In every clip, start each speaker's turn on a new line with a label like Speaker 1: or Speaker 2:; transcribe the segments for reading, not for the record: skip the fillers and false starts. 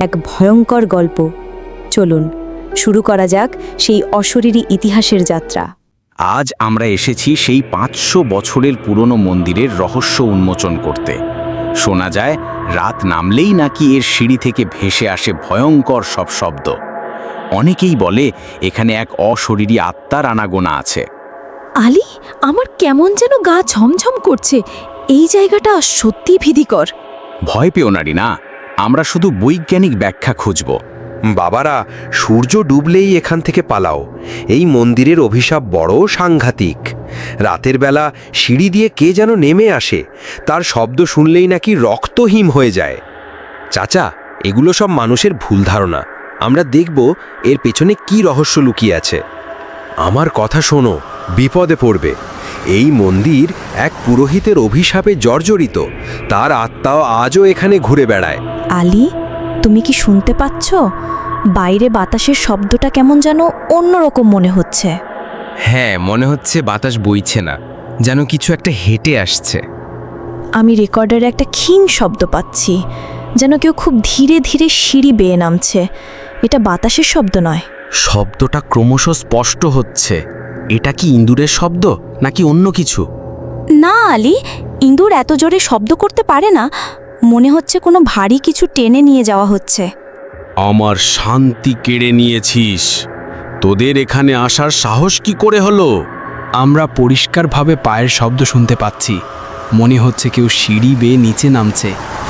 Speaker 1: এক ভয়ঙ্কর গল্প। চলুন শুরু করা যাক সেই অশরীরী ইতিহাসের যাত্রা।
Speaker 2: আজ আমরা এসেছি সেই 500 বছরের পুরনো মন্দিরের রহস্য উন্মোচন করতে। শোনা যায় রাত নামলেই নাকি এর সিঁড়ি থেকে ভেসে আসে ভয়ঙ্কর সব শব্দ। অনেকেই বলে এখানে এক অশরীরী আত্মার আনাগোনা আছে।
Speaker 1: আলী, আমার কেমন যেন গা ঝমঝম করছে। এই জায়গাটা সত্যি ভীতিকর।
Speaker 2: ভয় পেও না রিনা, আমরা শুধু বৈজ্ঞানিক ব্যাখ্যা খুঁজব।
Speaker 3: বাবারা, সূর্য ডুবলেই এখান থেকে পালাও। এই মন্দিরের অভিশাপ বড় সাংঘাতিক। রাতের বেলা সিঁড়ি দিয়ে কে যেন নেমে আসে, তার শব্দ শুনলেই নাকি রক্তহীন হয়ে যায়। চাচা, এগুলো সব মানুষের ভুল ধারণা। আমরা দেখব এর পেছনে কি রহস্য লুকিয়ে আছে। আমার কথা শোনো, বিপদে পড়বে। এই মন্দির এক পুরোহিতের অভিশাপে জর্জরিত। তার আত্মাও আজও এখানে ঘুরে বেড়ায়।
Speaker 1: আলী, তুমি কি শুনতে পাচ্ছ? বাইরে বাতাসের শব্দটা কেমন যেন অন্যরকম মনে হচ্ছে।
Speaker 4: হ্যাঁ, মনে হচ্ছে বাতাস বইছে না, যেন কিছু একটা হেঁটে আসছে।
Speaker 1: আমি রেকর্ডারে একটা ক্ষীণ শব্দ পাচ্ছি, যেন কেউ খুব ধীরে ধীরে সিঁড়ি বেয়ে নামছে। এটা বাতাসের শব্দ নয়।
Speaker 4: শব্দটা ক্রমশ স্পষ্ট হচ্ছে। এটা কি ইঁদুরের শব্দ নাকি অন্য কিছু?
Speaker 1: না আলী, ইঁদুর এত জোরে শব্দ করতে পারে না। মনে হচ্ছে কোনো ভারী কিছু টেনে নিয়ে যাওয়া হচ্ছে।
Speaker 5: আমার শান্তি কেড়ে নিয়েছিস। তোদের এখানে আসার সাহস কি করে হলো?
Speaker 4: আমরা পরিষ্কারভাবে পায়ের শব্দ শুনতে পাচ্ছি। মনে হচ্ছে কেউ সিঁড়ি বেয়ে নিচে নামছে।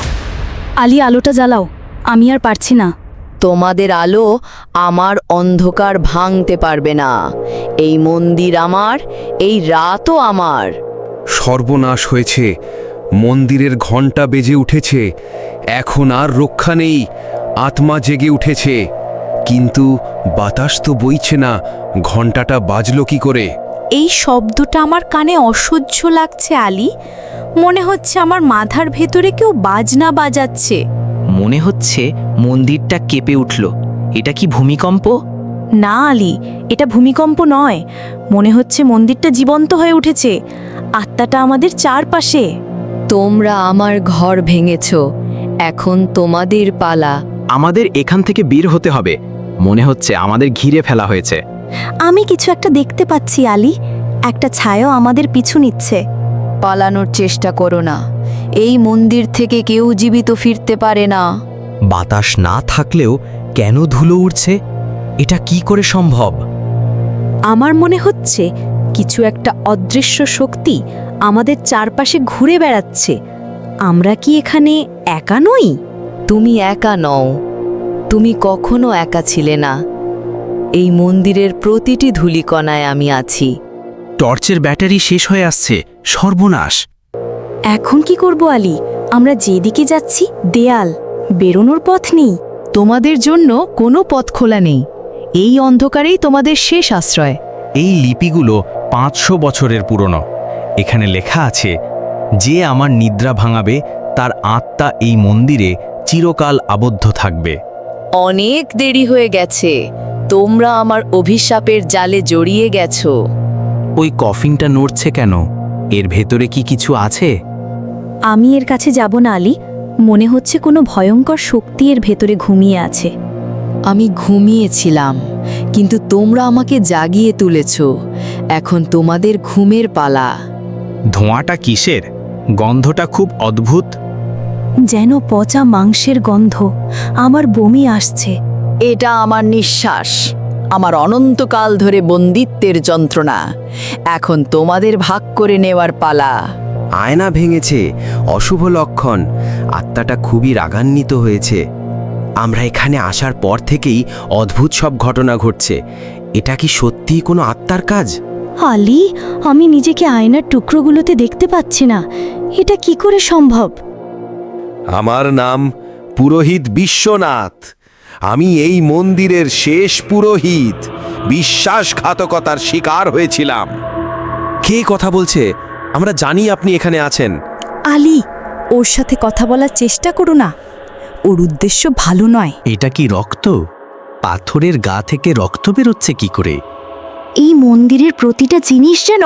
Speaker 1: আলী, আলোটা জ্বালাও, আমি আর পারছি না।
Speaker 6: তোমাদের আলো আমার অন্ধকার ভাঙতে পারবে না। এই মন্দির আমার, এই রাতও আমার।
Speaker 3: সর্বনাশ হয়েছে। মন্দিরের ঘণ্টা বেজে উঠেছে। এখন আর রক্ষা নেই। আত্মা জেগে উঠেছে, কিন্তু বাতাস তো বইছে না। ঘণ্টাটা বাজলো কি করে?
Speaker 1: এই শব্দটা আমার কানে অসহ্য লাগছে আলী। মনে হচ্ছে আমার মাথার ভেতরে কেউ বাজনা বাজাচ্ছে।
Speaker 7: মনে হচ্ছে মন্দিরটা কেঁপে উঠল। এটা কি ভূমিকম্প?
Speaker 1: না আলী, এটা ভূমিকম্প নয়। মনে হচ্ছে মন্দিরটা জীবন্ত হয়ে উঠেছে। আত্মাটা আমাদের চারপাশে।
Speaker 6: তোমরা আমার ঘর ভেঙেছ, এখন তোমাদের পালা।
Speaker 2: আমাদের এখান থেকে বের হতে হবে। মনে হচ্ছে আমাদের ঘিরে ফেলা হয়েছে।
Speaker 1: আমি কিছু একটা দেখতে পাচ্ছি আলী। একটা ছায়াও আমাদের পিছু নিচ্ছে।
Speaker 6: পালানোর চেষ্টা করো না। এই মন্দির থেকে কেউ জীবিত ফিরতে পারে না।
Speaker 7: বাতাস না থাকলেও কেন ধুলো উড়ছে? এটা কি করে সম্ভব?
Speaker 1: আমার মনে হচ্ছে কিছু একটা অদৃশ্য শক্তি আমাদের চারপাশে ঘুরে বেড়াচ্ছে। আমরা কি এখানে একা নই?
Speaker 6: তুমি একা নও। তুমি কখনো একা ছিলে না। এই মন্দিরের প্রতিটি ধূলিকণায় আমি আছি।
Speaker 4: টর্চের ব্যাটারি শেষ হয়ে আসছে। সর্বনাশ!
Speaker 1: এখন কি করব আলী? আমরা যেদিকে যাচ্ছি দেয়াল, বেরোনোর পথ নেই।
Speaker 6: তোমাদের জন্য কোনো পথ খোলা নেই। এই অন্ধকারেই তোমাদের শেষ আশ্রয়।
Speaker 2: এই লিপিগুলো 500 বছরের পুরনো। এখানে লেখা আছে, যে আমার নিদ্রা ভাঙাবে তার আত্মা এই মন্দিরে চিরকাল আবদ্ধ থাকবে।
Speaker 6: অনেক দেরি হয়ে গেছে। তোমরা আমার অভিশাপের জালে জড়িয়ে গেছো।
Speaker 4: ওই কফিনটা নড়ছে কেন? এর ভেতরে কি কিছু আছে?
Speaker 1: আমি এর কাছে যাব না আলী। মনে হচ্ছে কোনো ভয়ঙ্কর শক্তি এর ভেতরে ঘুমিয়ে আছে।
Speaker 6: আমি ঘুমিয়েছিলাম, কিন্তু তোমরা আমাকে জাগিয়ে তুলেছ। এখন তোমাদের ঘুমের পালা।
Speaker 2: ধোঁয়াটা কিসের? গন্ধটা খুব অদ্ভুত।
Speaker 1: যেন পচা মাংসের গন্ধ। আমার বমি আসছে।
Speaker 6: এটা আমার নিঃশ্বাস, আমার অনন্তকাল ধরে বন্দিত্বের যন্ত্রণা। এখন তোমাদের ভাগ করে নেওয়ার পালা।
Speaker 3: আয়না ভেঙেছে, অশুভ লক্ষণ। আত্মাটা খুবই রাগান্বিত হয়েছে। আমরা এখানে আসার পর থেকেই অদ্ভুত সব ঘটনা ঘটছে। এটা কি সত্যিই কোনো আত্মার কাজ?
Speaker 1: আলী, আমি নিজেকে আয়নার টুকরোগুলোতে দেখতে পাচ্ছি না। এটা কি করে সম্ভব?
Speaker 3: আমার নাম পুরোহিত বিশ্বনাথ। আমি এই মন্দিরের শেষ পুরোহিত। বিশ্বাসঘাতকতার শিকার হয়েছিলাম। কে কথা বলছে? আমরা জানি আপনি এখানে আছেন।
Speaker 1: আলী, ওর সাথে কথা বলার চেষ্টা করো না। ওর উদ্দেশ্য ভালো নয়।
Speaker 4: এটা কি রক্ত? পাথরের গা থেকে রক্ত বেরোচ্ছে কি করে?
Speaker 1: এই মন্দিরের প্রতিটা জিনিস যেন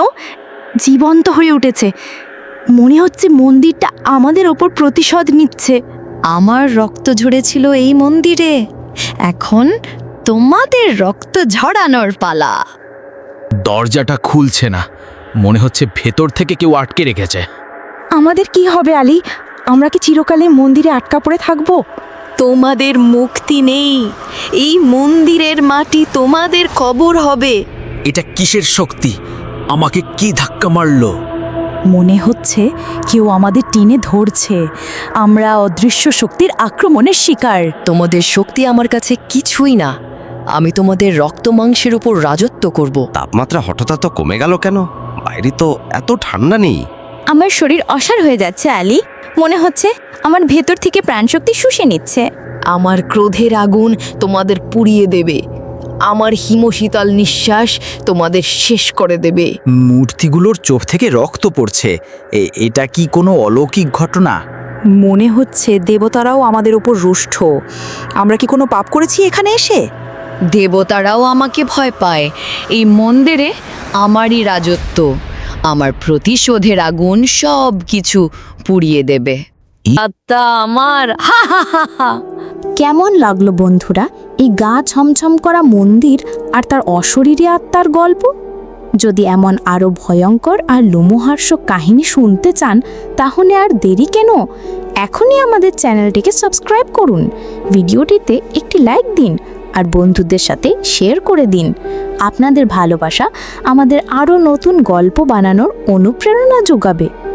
Speaker 1: জীবন্ত হয়ে উঠেছে। মনে হচ্ছে মন্দিরটা আমাদের ওপর প্রতিশোধ নিচ্ছে। আমার রক্ত ঝরেছিল এই মন্দিরে, এখন তোমাদের রক্ত ঝরানোর পালা।
Speaker 4: দরজাটা খুলছে না, মনে হচ্ছে ভেতর থেকে কেউ আটকে রেখেছে।
Speaker 1: আমাদের কি হবে আলী? আমরা কি চিরকালে মন্দিরে আটকা পড়ে থাকব?
Speaker 8: তোমাদের মুক্তি নেই, এই মন্দিরের মাটি তোমাদের কবর হবে।
Speaker 4: এটা কিসের শক্তি? আমাকে কি ধাক্কা মারলো?
Speaker 1: মনে হচ্ছে কেউ আমাদের টেনে ধরছে। আমরা অদৃশ্য শক্তির আক্রমণের শিকার।
Speaker 8: তোমাদের শক্তি আমার কাছে কিছুই না। আমি তোমাদের রক্ত মাংসের উপর রাজত্ব করব।
Speaker 9: তাপমাত্রা হঠাৎ এত কমে গেল কেন? বাইরে তো এত ঠান্ডা নেই।
Speaker 1: আমার শরীর অসাড় হয়ে যাচ্ছে আলী, মনে হচ্ছে আমার ভেতর থেকে প্রাণশক্তি শুষে নিচ্ছে।
Speaker 6: আমার ক্রোধের আগুন তোমাদের পুড়িয়ে দেবে, আমার হিমশীতল নিঃশ্বাস তোমাদের শেষ করে দেবে।
Speaker 7: মূর্তিগুলোর চোখ থেকে রক্ত পড়ছে। এটা কি কোনো অলৌকিক ঘটনা?
Speaker 1: মনে হচ্ছে দেবতারাও আমাদের উপর রুষ্ট। আমরা কি কোনো পাপ করেছি এখানে এসে?
Speaker 6: দেবতারাও আমাকে ভয় পায়। এই মন্দিরে আমারই রাজত্ব, আমার প্রতিশোধের আগুন সব কিছু পুড়িয়ে দেবে।
Speaker 8: আত্মা আমার, হা হা হা হা।
Speaker 1: কেমন লাগলো বন্ধুরা এই গা ছমছম করা মন্দির আর তার অশরীরী আত্মার গল্প? যদি এমন আরও ভয়ঙ্কর আর লোমহর্ষক কাহিনী শুনতে চান তাহলে আর দেরি কেন? এখনই আমাদের চ্যানেলটিকে সাবস্ক্রাইব করুন, ভিডিওটিতে একটি লাইক দিন আর বন্ধুদের সাথে শেয়ার করে দিন। আপনাদের ভালোবাসা আমাদের আরও নতুন গল্প বানানোর অনুপ্রেরণা যোগাবে।